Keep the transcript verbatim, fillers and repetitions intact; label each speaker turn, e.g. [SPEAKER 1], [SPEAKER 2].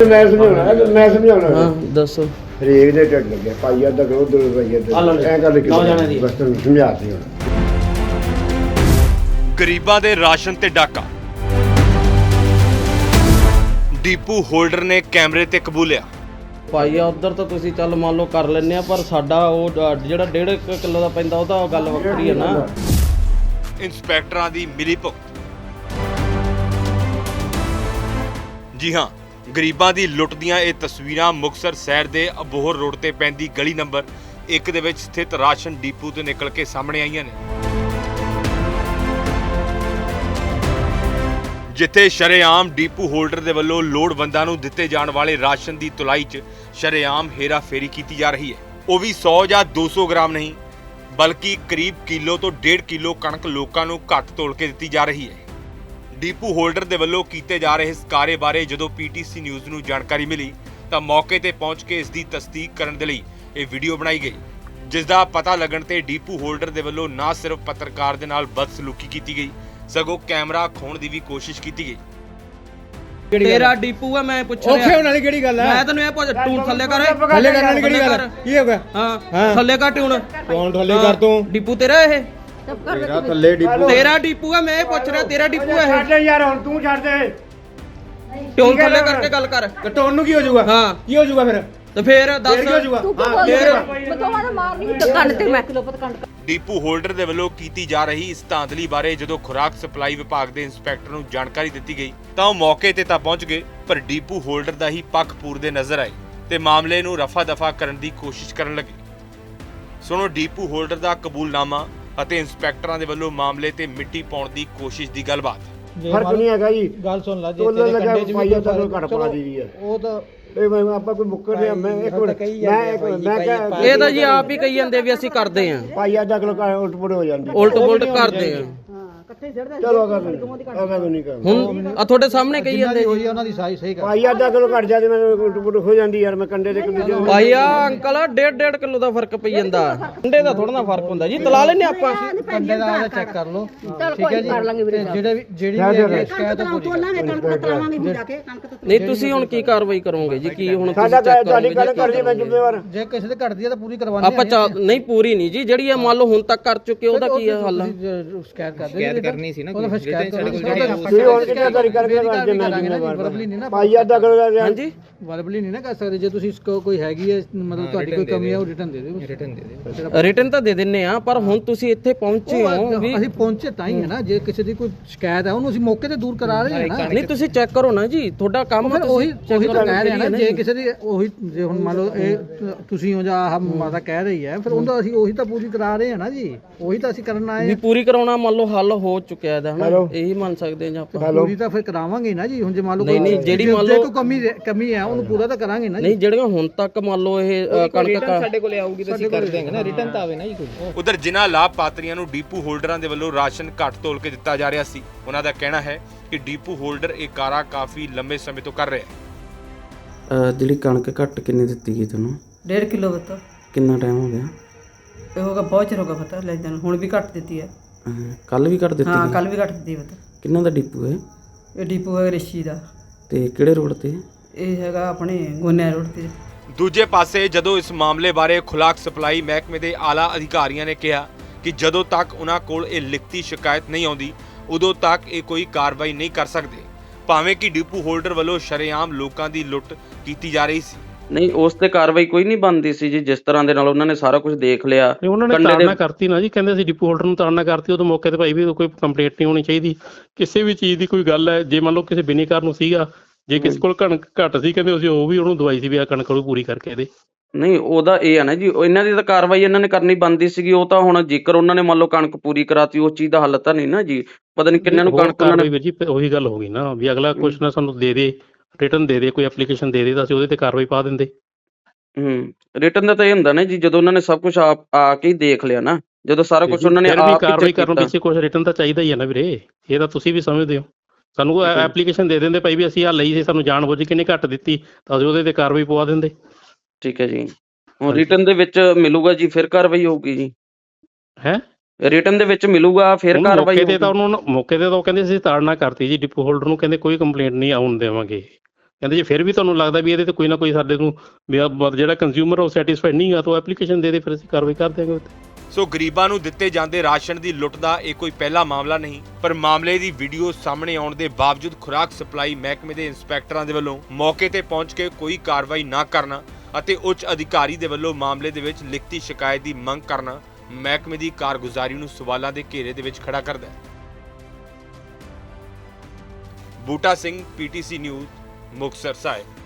[SPEAKER 1] ਮੈਂ ਸਮਝਾਉਣਾ ਮੈਂ ਸਮਝਾਉਣਾ
[SPEAKER 2] ਹਾਂ ਦੱਸੋ।
[SPEAKER 1] ਹਰੇਕ ਦੇ ਢਿੱਡ ਲੱਗਿਆ ਪਾਈਆ ਦਾ ਕਰੋ ਦੋ ਰੁਪਈਏ ਤੇ ਐ ਗੱਲ ਕਿ ਬਸ ਤੁਹਾਨੂੰ ਸਮਝਾਤੀ ਹੁਣ।
[SPEAKER 3] ਗਰੀਬਾਂ ਦੇ ਰਾਸ਼ਨ ਤੇ ਡਾਕਾ, ਡੀਪੂ ਹੋਲਡਰ ਨੇ ਕੈਮਰੇ ਤੇ ਕਬੂਲਿਆ।
[SPEAKER 2] ਪਾਈਆ ਉਧਰ ਤਾਂ ਤੁਸੀਂ ਚੱਲ ਮੰਨ ਲਓ ਕਰ ਲੈਂਦੇ ਆ, ਪਰ ਸਾਡਾ ਉਹ ਜਿਹੜਾ ਡੇਢ ਕਿਲੋ ਦਾ ਪੈਂਦਾ ਉਹ ਤਾਂ ਗੱਲ ਵੱਖਰੀ ਹੈ ਨਾ।
[SPEAKER 3] ਇੰਸਪੈਕਟਰਾਂ ਦੀ ਮਿਲੀ ਭੁਗਤ। ਜੀ ਹਾਂ, ਗਰੀਬਾਂ ਦੀ ਲੁੱਟ ਦੀਆਂ ਇਹ ਤਸਵੀਰਾਂ ਮੁਕਤਸਰ ਸ਼ਹਿਰ ਦੇ ਅਬੋਹਰ ਰੋਡ ਤੇ ਪੈਂਦੀ ਗਲੀ ਨੰਬਰ ਇੱਕ ਦੇ ਵਿੱਚ ਸਥਿਤ ਰਾਸ਼ਨ ਡੀਪੂ ਤੋਂ ਨਿਕਲ ਕੇ ਸਾਹਮਣੇ ਆਈਆਂ ਨੇ, ਜਿੱਥੇ ਸ਼ਰੇਆਮ ਡੀਪੂ ਹੋਲਡਰ ਦੇ ਵੱਲੋਂ ਲੋੜਵੰਦਾਂ ਨੂੰ ਦਿੱਤੇ ਜਾਣ ਵਾਲੇ ਰਾਸ਼ਨ ਦੀ ਤੁਲਾਈ 'ਚ ਸ਼ਰੇਆਮ ਹੇਰਾ ਫੇਰੀ ਕੀਤੀ ਜਾ ਰਹੀ ਹੈ। ਉਹ ਵੀ ਸੌ ਜਾਂ ਦੋ ਸੌ ਗ੍ਰਾਮ ਨਹੀਂ, ਬਲਕਿ ਕਰੀਬ ਕਿਲੋ ਤੋਂ ਡੇਢ ਕਿਲੋ ਕਣਕ ਲੋਕਾਂ ਨੂੰ ਘੱਟ ਤੋਲ ਕੇ ਦਿੱਤੀ ਜਾ ਰਹੀ ਹੈ। ਡੀਪੂ ਹੋਲਡਰ ਦੇ ਵੱਲੋਂ ਕੀਤੇ ਜਾ ਰਹੇ ਇਸ ਕਾਰੇ ਬਾਰੇ ਜਦੋਂ ਪੀਟੀਸੀ ਨਿਊਜ਼ ਨੂੰ ਜਾਣਕਾਰੀ ਮਿਲੀ ਤਾਂ ਮੌਕੇ ਤੇ ਪਹੁੰਚ ਕੇ ਇਸ ਦੀ ਤਸਦੀਕ ਕਰਨ ਦੇ ਲਈ ਇਹ ਵੀਡੀਓ ਬਣਾਈ ਗਈ, ਜਿਸ ਦਾ ਪਤਾ ਲੱਗਣ ਤੇ ਡੀਪੂ ਹੋਲਡਰ ਦੇ ਵੱਲੋਂ ਨਾ ਸਿਰਫ ਪੱਤਰਕਾਰ ਦੇ ਨਾਲ ਬਦਸਲੂਕੀ ਕੀਤੀ ਗਈ, ਸਗੋਂ ਕੈਮਰਾ ਖੋਣ ਦੀ ਵੀ ਕੋਸ਼ਿਸ਼ ਕੀਤੀ ਗਈ।
[SPEAKER 2] ਤੇਰਾ ਡੀਪੂ ਆ, ਮੈਂ ਪੁੱਛ ਰਿਹਾ।
[SPEAKER 4] ਔਖੇ ਹੋਣ ਵਾਲੀ ਕਿਹੜੀ ਗੱਲ ਹੈ?
[SPEAKER 2] ਮੈਂ ਤੈਨੂੰ ਇਹ ਪੁੱਛ, ਟੂਨ ਥੱਲੇ ਕਰ।
[SPEAKER 4] ਥੱਲੇ ਕਰਨ ਵਾਲੀ ਕਿਹੜੀ ਗੱਲ? ਕੀ ਹੋ ਗਿਆ?
[SPEAKER 2] ਹਾਂ ਥੱਲੇ ਕਰ ਟੂਨ।
[SPEAKER 4] ਕੌਣ ਥੱਲੇ ਕਰ ਤੂੰ?
[SPEAKER 2] ਡੀਪੂ ਤੇਰਾ ਇਹ?
[SPEAKER 4] ਤੇਰਾ ਥੱਲੇ ਡੀਪੂ।
[SPEAKER 2] ਤੇਰਾ ਡੀਪੂ ਆ, ਮੈਂ ਇਹ ਪੁੱਛ ਰਿਹਾ ਤੇਰਾ ਡੀਪੂ ਆ ਇਹ?
[SPEAKER 1] ਛੱਡ ਯਾਰ ਹੁਣ ਤੂੰ ਛੱਡ ਦੇ।
[SPEAKER 2] ਟੂਨ ਥੱਲੇ ਕਰਕੇ ਗੱਲ ਕਰ।
[SPEAKER 4] ਕਟੋਨ ਨੂੰ ਕੀ ਹੋ ਜਾਊਗਾ?
[SPEAKER 2] ਹਾਂ
[SPEAKER 4] ਕੀ ਹੋ ਜਾਊਗਾ ਫਿਰ?
[SPEAKER 2] ਤੇ ਫੇਰ ਦੱਸ
[SPEAKER 4] ਕੀ ਹੋ ਜਾਊਗਾ?
[SPEAKER 2] ਹਾਂ ਫੇਰ
[SPEAKER 5] ਬਤੋਵਾਂ ਮਾਰਨੀ ਕੰਨ ਤੇ ਮੈਂ ਕਿਲੋ ਪਤ ਕੰਨ।
[SPEAKER 3] ਡੀਪੂ ਹੋਲਡਰ ਦੇ ਵੱਲੋਂ ਕੀਤੀ ਜਾ ਰਹੀ ਇਸ ਧਾਂਦਲੀ ਬਾਰੇ ਜਦੋਂ ਖੁਰਾਕ ਸਪਲਾਈ ਵਿਭਾਗ ਦੇ ਇੰਸਪੈਕਟਰ ਨੂੰ ਜਾਣਕਾਰੀ ਦਿੱਤੀ ਗਈ ਤਾਂ ਉਹ ਮੌਕੇ ਤੇ ਤਾਂ ਪਹੁੰਚ ਗਏ, ਪਰ ਡੀਪੂ ਹੋਲਡਰ ਦਾ ਹੀ ਪੱਖ ਪੂਰਦੇ ਨਜ਼ਰ ਆਏ ਤੇ ਮਾਮਲੇ ਨੂੰ ਰਫਾ ਦਫਾ ਕਰਨ ਦੀ ਕੋਸ਼ਿਸ਼ ਕਰਨ ਲੱਗੇ। ਸੁਣੋ ਡੀਪੂ ਹੋਲਡਰ ਦਾ ਕਬੂਲਨਾਮਾ ਅਤੇ ਇੰਸਪੈਕਟਰਾਂ ਦੇ ਵੱਲੋਂ ਮਾਮਲੇ ਤੇ ਮਿੱਟੀ ਪਾਉਣ ਦੀ ਕੋਸ਼ਿਸ਼ ਦੀ ਗੱਲਬਾਤ।
[SPEAKER 1] ਫਰਕ ਨਹੀਂ ਹੈਗਾ ਜੀ,
[SPEAKER 4] ਗੱਲ ਸੁਣ ਲੈ, ਜੇ
[SPEAKER 1] ਤੋਲਣ
[SPEAKER 4] ਤੇਰੇ
[SPEAKER 1] ਲੱਗਾ
[SPEAKER 4] ਕੰਡੇ 'ਚ ਵੀ
[SPEAKER 1] ਪਾਈਆ ਦਾ
[SPEAKER 4] ਕੋਈ
[SPEAKER 1] ਘੱਟ ਪਾ ਦੀ ਹੈ।
[SPEAKER 4] ਉਹ ਤਾਂ
[SPEAKER 1] ਇਹ ਮੈਂ ਆਪਾਂ ਕੋਈ ਮੁੱਕਰ ਰਿਹਾ ਮੈਂ ਇੱਕ ਮਿੰਟ ਮੈਂ ਇੱਕ ਮਿੰਟ ਮੈਂ ਕਿਹਾ
[SPEAKER 2] ਇਹ ਤਾਂ ਜੀ ਆਪ ਹੀ ਕਹੀ ਜਾਂਦੇ ਵੀ ਅਸੀਂ ਕਰਦੇ ਆਂ,
[SPEAKER 1] ਪਾਈਆ ਅੱਧਾ ਕਿਲੋ ਘੱਟ ਉਲਟ ਪੁਲਟ ਹੋ ਜਾਂਦੀ।
[SPEAKER 2] ਉਲਟ ਪੁਲਟ ਕਰਦੇ ਆਂ।
[SPEAKER 1] ਚਲੋ ਅਗਰ ਅਗਰ ਨਹੀਂ ਕਰ
[SPEAKER 2] ਹੁਣ ਆ ਤੁਹਾਡੇ ਸਾਹਮਣੇ ਕਹੀ ਜਾਂਦੇ ਜੀ।
[SPEAKER 4] ਹੋਈ ਉਹਨਾਂ ਦੀ ਸਾਈ ਸਹੀ ਕਰ।
[SPEAKER 1] ਪਾਈਆ ਅੱਧਾ ਕਿਲੋ ਘੱਟ ਜਾਂਦੀ ਮੈਨੂੰ ਉਲਟ ਪੁਲਟ ਹੋ ਜਾਂਦੀ ਯਾਰ। ਮੈਂ ਕੰਡੇ ਦੇ ਕਿਲੋ
[SPEAKER 2] ਪਾਈਆ ਅੰਕਲ ਡੇਢ ਡੇਢ ਕਿਲੋ ਦਾ ਫਰਕ ਪਈ ਜਾਂਦਾ। ਕੰਡੇ ਦਾ ਥੋੜਾ ਨਾ ਫਰਕ ਹੁੰਦਾ ਜੀ, ਤਲਾ ਲੈਨੇ ਆਪਾਂ।
[SPEAKER 4] ਕੰਡੇ ਦਾ ਉਹਦਾ ਚੈੱਕ ਕਰ ਲਓ,
[SPEAKER 5] ਚਲ
[SPEAKER 4] ਠੀਕ ਹੈ
[SPEAKER 5] ਕੋਈ
[SPEAKER 4] ਜੀ।
[SPEAKER 5] ਕਰ ਲਾਂਗੇ ਵੀਰੇ।
[SPEAKER 4] ਜਿਹੜੇ ਵੀ ਜਿਹੜੀ ਵੀ ਸ਼ਿਕਾਇਤ ਹੈ ਪੂਰੀ
[SPEAKER 2] ਨਹੀਂ ਤੁਸੀਂ ਹੁਣ ਕੀ ਕਾਰਵਾਈ ਕਰੋਗੇ ਜੀ? ਕੀ ਹੁਣ ਤੁਸੀਂ
[SPEAKER 1] ਸਾਡਾ
[SPEAKER 2] ਚੈੱਕ
[SPEAKER 1] ਤੁਹਾਡੀ
[SPEAKER 2] ਕਰੋਗੇ
[SPEAKER 1] ਗੱਲ ਕਰਦੀ ਮੈਂ ਜ਼ਿੰਮੇਵਾਰ।
[SPEAKER 4] ਜੇ ਕਿਸੇ ਦੇ ਘਟਦੀ ਹੈ ਤਾਂ ਪੂਰੀ ਕਰਵਾਉਣੀ
[SPEAKER 2] ਆਪਾਂ ਚੱਲ ਨਹੀਂ ਪੂਰੀ ਨਹੀਂ ਜੀ, ਜਿਹੜੀ ਇਹ ਮੰਨ ਲਓ ਹੁਣ ਤੱਕ ਕਰ ਚੁੱਕੇ ਉਹਦਾ ਕੀ ਹੱਲ ਆ?
[SPEAKER 4] ਸ਼ਿਕਾਇਤ ਕਰਦੇ ਸ਼ਿਕਾਇਤ ਕਰਨੀ ਸੀ ਨਾ, ਉਹਦਾ ਫਿਰ ਸ਼ਿਕਾਇਤ
[SPEAKER 1] ਤੁਸੀਂ ਹੁਣ ਕਿਹੜਾ ਤਰੀ ਕਰਕੇ ਰਾਜੇ ਮੈਂ ਜ਼ਿੰਮੇਵਾਰ। ਪਾਈਆ ਅੱਧਾ ਕਿਲੋ ਦਾ
[SPEAKER 2] ਹਾਂਜੀ
[SPEAKER 4] ਵਰਬਲੀ ਨਹੀਂ ਨਾ ਕਰ ਸਕਦੇ। ਜੇ ਤੁਸੀਂ ਕੋਈ ਹੈਗੀ ਹੈ ਮਤਲਬ ਤੁਹਾਡੀ ਕੋਈ ਕਮੀ ਹੈ ਉਹ ਰਿਟਰਨ ਦੇ ਦਿਓ। ਰਿਟਰਨ ਦੇ ਦਿਓ,
[SPEAKER 2] ਰਿਟਰਨ ਤਾਂ ਦੇ ਦਿੰਨੇ ਆ, ਪਰ ਹੁਣ ਤੁਸੀਂ ਇੱਥੇ ਪਹੁੰਚੇ ਹੋ ਵੀ
[SPEAKER 4] ਅਸੀਂ ਪਹੁੰਚੇ ਤਾਂ ਹੀ ਹੈ ਨਾ। ਜੇ ਕਿਸੇ ਦੀ ਕੋਈ ਸ਼ਿਕਾਇਤ ਹੈ ਉਹਨੂੰ ਅਸੀਂ ਮੌਕੇ ਤੇ ਦੂਰ ਕਰਾ ਰਹੇ ਹਾਂ ਨਾ।
[SPEAKER 2] ਨਹੀਂ ਤੁਸੀਂ ਚੈੱਕ ਕਰੋ ਨਾ ਜੀ, ਤੁਹਾਡਾ ਕੰਮ ਹੈ।
[SPEAKER 4] ਉਹੀ ਉਹੀ ਤਾਂ ਕਹਿ ਰਹੇ ਨਾ, ਜੇ ਕਿਸੇ ਦੀ ਉਹੀ ਜੇ ਹੁਣ ਮੰਨ ਲਓ ਇਹ ਤੁਸੀਂ ਹੋ ਜਾਂ ਆਹ ਮਾਤਾ ਕਹਿ ਰਹੀ ਹੈ, ਫਿਰ ਉਹਦਾ ਅਸੀਂ ਉਹੀ ਤਾਂ ਪੂਰੀ ਕਰਾ ਰਹੇ ਹਾਂ ਨਾ ਜੀ। ਉਹੀ ਤਾਂ ਅਸੀਂ ਕਰਨ ਆਏ
[SPEAKER 2] ਵੀ ਪੂਰੀ ਕਰਾਉਣਾ ਮੰਨ ਲਓ ਹੱਲ ਹੋ ਚੁੱਕਿਆ ਇਹਦਾ, ਹਨਾ? ਇਹੀ ਮੰਨ ਸਕਦੇ ਜਾਂ ਆਪਾਂ
[SPEAKER 4] ਪੂਰੀ ਤਾਂ ਫਿਰ ਕਰਾਵਾਂਗੇ ਨਾ ਜੀ। ਹੁਣ ਜੇ ਮੰਨ ਲਓ
[SPEAKER 2] ਨਹੀਂ ਨਹੀਂ ਜਿਹੜੀ ਮੰਨ
[SPEAKER 4] ਜੇ
[SPEAKER 2] ਲਓ
[SPEAKER 4] ਕੋਈ ਕਮੀ ਕਮੀ ਹੈ ਉਹਨੂੰ ਪੂਰਾ ਤਾਂ ਕਰਾਂਗੇ ਨਾ।
[SPEAKER 2] ਨਹੀਂ ਜਿਹੜੀਆਂ ਹੁਣ ਤੱਕ ਮੰਨ ਲਓ ਇਹ ਕਣਕ
[SPEAKER 4] ਸਾਡੇ ਕੋਲੇ ਆਊਗੀ ਤਾਂ ਅਸੀਂ ਕਰ ਦੇਵਾਂਗੇ ਨਾ। ਰਿਟਰਨ ਤਾਂ ਆਵੇ ਨਾ ਜੀ ਕੋਈ।
[SPEAKER 3] ਉਧਰ ਜਿਨ੍ਹਾਂ ਲਾਭਪਾਤਰੀਆਂ ਨੂੰ ਡੀਪੂ ਹੋਲਡਰਾਂ ਦੇ ਵੱਲੋਂ ਰਾਸ਼ਨ ਘੱਟ ਤੋਲ ਕੇ ਦਿੱਤਾ ਜਾ ਰਿਹਾ ਸੀ, ਉਹਨਾਂ ਦਾ ਕਹਿਣਾ ਹੈ ਕਿ ਡੀਪੂ ਹੋਲਡਰ ਇਹ ਕਾਰਾ ਕਾਫੀ ਲੰਬੇ ਸਮੇਂ ਤੋਂ ਕਰ ਰਿਹਾ ਹੈ।
[SPEAKER 2] ਜਿਹੜੀ ਕਣਕ ਘੱਟ ਕਿੰਨੀ ਦਿੱਤੀ ਗਈ ਤੁਹਾਨੂੰ?
[SPEAKER 6] डेढ़ किलो बता
[SPEAKER 2] ਕਿੰਨਾ ਟਾਈਮ ਹੋ ਗਿਆ?
[SPEAKER 6] ये होगा बहुत चਿਰ होगा पता ले जान हुण भी घट देती है।
[SPEAKER 2] ਕੱਲ ਵੀ ਘੱਟ ਦਿੱਤੀ
[SPEAKER 6] हाँ
[SPEAKER 2] ਗਈ?
[SPEAKER 6] कल भी घट दी पता।
[SPEAKER 2] ਕਿੰਨਾ ਦਾ ਡੀਪੂ ਹੈ
[SPEAKER 6] ये डिपो है रिशी दा।
[SPEAKER 2] ਤੇ ਕਿਹੜੇ ਰੋਡ ਤੇ?
[SPEAKER 6] ये हैगा अपने गोनिया रोड ते।
[SPEAKER 3] ਦੂਜੇ ਪਾਸੇ ਜਦੋਂ ਇਸ ਮਾਮਲੇ ਬਾਰੇ ਖੁਰਾਕ ਸਪਲਾਈ ਮਹਿਕਮੇ ਦੇ ਆਲਾ ਅਧਿਕਾਰੀਆਂ ਨੇ ਕਿਹਾ ਕਿ ਜਦੋਂ ਤੱਕ ਉਹਨਾਂ ਕੋਲ ਇਹ ਲਿਖਤੀ ਸ਼ਿਕਾਇਤ ਨਹੀਂ ਆਉਂਦੀ ਉਦੋਂ ਤੱਕ ਇਹ ਕੋਈ ਕਾਰਵਾਈ ਨਹੀਂ ਕਰ ਸਕਦੇ, ਭਾਵੇਂ ਕਿ ਡੀਪੂ ਹੋਲਡਰ ਵੱਲੋਂ ਸ਼ਰੇਆਮ ਲੋਕਾਂ ਦੀ ਲੁੱਟ ਕੀਤੀ ਜਾ ਰਹੀ ਸੀ।
[SPEAKER 2] ਨਹੀਂ ਉਸ ਤੇ ਕਾਰਵਾਈ ਕੋਈ ਨਹੀਂ ਬਣਦੀ ਸੀ ਜੀ, ਜਿਸ ਤਰ੍ਹਾਂ ਦੇ ਨਾਲ ਉਹਨਾਂ ਨੇ ਸਾਰਾ ਕੁਝ ਦੇਖ ਲਿਆ।
[SPEAKER 7] ਉਹਨਾਂ ਨੇ ਤਾੜਨਾ ਕਰਤੀ ਨਾ ਜੀ, ਕਹਿੰਦੇ ਸੀ ਡਿਪੂ ਹੋਲਡਰ ਨੂੰ ਤਾੜਨਾ ਕਰਤੀ। ਉਦੋਂ ਮੌਕੇ ਤੇ ਭਾਈ ਵੀ ਕੋਈ ਕੰਪਲੇਂਟ ਨਹੀਂ ਹੋਣੀ ਚਾਹੀਦੀ ਕਿਸੇ ਵੀ ਚੀਜ਼ ਦੀ। ਕੋਈ ਗੱਲ ਹੈ ਜੇ ਮੰਨ ਲਓ ਕਿਸੇ ਬਿਨੇਕਾਰ ਨੂੰ ਸੀਗਾ, ਜੇ ਕਿਸੇ ਕੋਲ ਕਣਕ ਘੱਟ ਸੀ ਕਹਿੰਦੇ ਅਸੀਂ ਉਹ ਵੀ ਉਹਨੂੰ ਦਵਾਈ ਸੀ ਵੀ ਆ ਕਣਕ ਨੂੰ ਪੂਰੀ ਕਰਕੇ ਇਹਦੇ।
[SPEAKER 2] ਨਹੀਂ ਉਹਦਾ ਇਹ ਹੈ ਨਾ ਜੀ, ਇਹਨਾਂ ਦੀ ਤਾਂ ਕਾਰਵਾਈ ਇਹਨਾਂ ਨੇ ਕਰਨੀ ਬਣਦੀ ਸੀਗੀ। ਉਹ ਤਾਂ ਹੁਣ ਜੇਕਰ ਉਹਨਾਂ ਨੇ ਮੰਨ ਲਓ ਕਣਕ ਪੂਰੀ ਕਰਾਤੀ, ਉਸ ਚੀਜ਼ ਦਾ ਹੱਲ ਤਾਂ ਨਹੀਂ ਨਾ ਜੀ। ਪਤਾ ਨਹੀਂ ਕਿੰਨਾਂ ਨੂੰ ਕਣਕ ਉਹਨਾਂ ਨੇ।
[SPEAKER 7] ਜੀ ਉਹੀ ਗੱਲ ਹੋ ਗਈ ਨਾ ਵੀ ਅਗਲਾ ਕੁਛ ਨਾ ਸਾਨੂੰ ਦੇ ਦੇ, ਰਿਟਰਨ ਦੇ ਦੇ, ਕੋਈ ਐਪਲੀਕੇਸ਼ਨ ਦੇ ਦੇ ਤਾਂ ਅਸੀਂ ਉਹਦੇ ਤੇ ਕਾਰਵਾਈ ਪਾ ਦਿੰਦੇ।
[SPEAKER 2] ਹੂੰ ਰਿਟਰਨ ਦਾ ਤਾਂ ਇਹ ਹੁੰਦਾ ਨਾ ਜੀ, ਜਦੋਂ ਉਹਨਾਂ ਨੇ ਸਭ ਕੁਝ ਆਪ ਆ ਕੇ ਦੇਖ ਲਿਆ ਨਾ, ਜਦੋਂ ਸਾਰਾ ਕੁਝ ਉਹਨਾਂ ਨੇ ਆਪ
[SPEAKER 7] ਕਾਰਵਾਈ ਕਰਨ ਪਿੱਛੇ ਕੁਝ ਰਿਟਰਨ ਤਾਂ ਚਾਹੀਦਾ ਹੀ ਹੈ ਨਾ ਵੀਰੇ। ਇਹ ਤਾਂ ਤੁਸੀਂ ਵੀ ਸਮਝਦੇ ਹੋ। ਸਾਨੂੰ ਐਪਲੀਕੇਸ਼ਨ ਦੇ ਦਿੰਦੇ ਭਾਈ ਵੀ ਅਸੀਂ ਆ ਲਈ ਸੀ, ਸਾਨੂੰ ਜਾਣ ਬੁੱਝ ਕੇ ਨਹੀਂ ਘੱਟ ਦਿੱਤੀ, ਤਾਂ ਅਸੀਂ ਉਹਦੇ ਤੇ ਕਾਰਵਾਈ ਪਵਾ ਦਿੰਦੇ।
[SPEAKER 2] ਠੀਕ ਹੈ ਜੀ। ਹੁਣ ਰਿਟਰਨ ਦੇ ਵਿੱਚ ਮਿਲੂਗਾ ਜੀ, ਫਿਰ ਕਾਰਵਾਈ ਹੋਊਗੀ ਜੀ।
[SPEAKER 7] ਹੈ
[SPEAKER 2] ਰਿਟਰਨ ਦੇ ਵਿੱਚ ਮਿਲੂਗਾ ਫਿਰ ਕਾਰਵਾਈ
[SPEAKER 7] ਮੌਕੇ ਤੇ ਤਾਂ ਉਹਨਾਂ ਨੂੰ ਮੌਕੇ ਤੇ ਤਾਂ ਉਹ ਕਹਿੰਦੇ ਸੀ ਤਾੜਨਾ ਕਰਤੀ ਜੀ ਡਿਪੂ ਹੋਲਡਰ ਨੂੰ, ਕਹਿੰਦੇ ਕੋਈ ਕੰਪਲੇਂਟ ਨਹੀਂ ਆਉਣ ਦੇਵਾਂਗੇ। ਕਹਿੰਦੇ ਜੇ ਫਿਰ ਵੀ ਤੁਹਾਨੂੰ ਲੱਗਦਾ ਵੀ ਇਹਦੇ ਤੇ ਕੋਈ ਨਾ ਕੋਈ ਸਾਡੇ ਨੂੰ ਵੀ ਆਹ ਬ- ਜਿਹੜਾ ਕੰਜ਼ਿਊਮਰ ਉਹ ਸੈਟੀਸਫਾਈਡ ਨਹੀਂ ਗਾ ਤਾਂ ਉਹ ਐਪਲੀਕੇਸ਼ਨ ਦੇ ਦੇ, ਫਿਰ ਅਸੀਂ ਕਾਰਵਾਈ ਕਰ ਦਿਆਂਗੇ ਉੱਤੇ।
[SPEAKER 3] ਸੋ ਗਰੀਬਾਂ ਨੂੰ ਦਿੱਤੇ ਜਾਂਦੇ ਰਾਸ਼ਨ ਦੀ ਲੁੱਟ ਦਾ ਇਹ ਕੋਈ ਪਹਿਲਾ ਮਾਮਲਾ ਨਹੀਂ, ਪਰ ਮਾਮਲੇ ਦੀ ਵੀਡੀਓ ਸਾਹਮਣੇ ਆਉਣ ਦੇ ਬਾਵਜੂਦ ਖੁਰਾਕ ਸਪਲਾਈ ਮਹਿਕਮੇ ਦੇ ਇੰਸਪੈਕਟਰਾਂ ਦੇ ਵੱਲੋਂ ਮੌਕੇ ਤੇ ਪਹੁੰਚ ਕੇ ਕੋਈ ਕਾਰਵਾਈ ਨਾ ਕਰਨਾ ਅਤੇ ਉੱਚ ਅਧਿਕਾਰੀ ਦੇ ਵੱਲੋਂ ਮਾਮਲੇ ਦੇ ਵਿੱਚ ਲਿਖਤੀ ਸ਼ਿਕਾਇਤ ਦੀ ਮੰਗ ਕਰਨਾ ਮਹਿਕਮੇ ਦੀ ਕਾਰਗੁਜ਼ਾਰੀ ਨੂੰ ਸਵਾਲਾਂ ਦੇ ਘੇਰੇ ਦੇ ਵਿੱਚ ਖੜਾ ਕਰਦਾ ਹੈ। ਬੂਟਾ ਸਿੰਘ, ਪੀਟੀਸੀ ਨਿਊਜ਼, ਮੁਕਤਸਰ ਸਾਹਿਬ।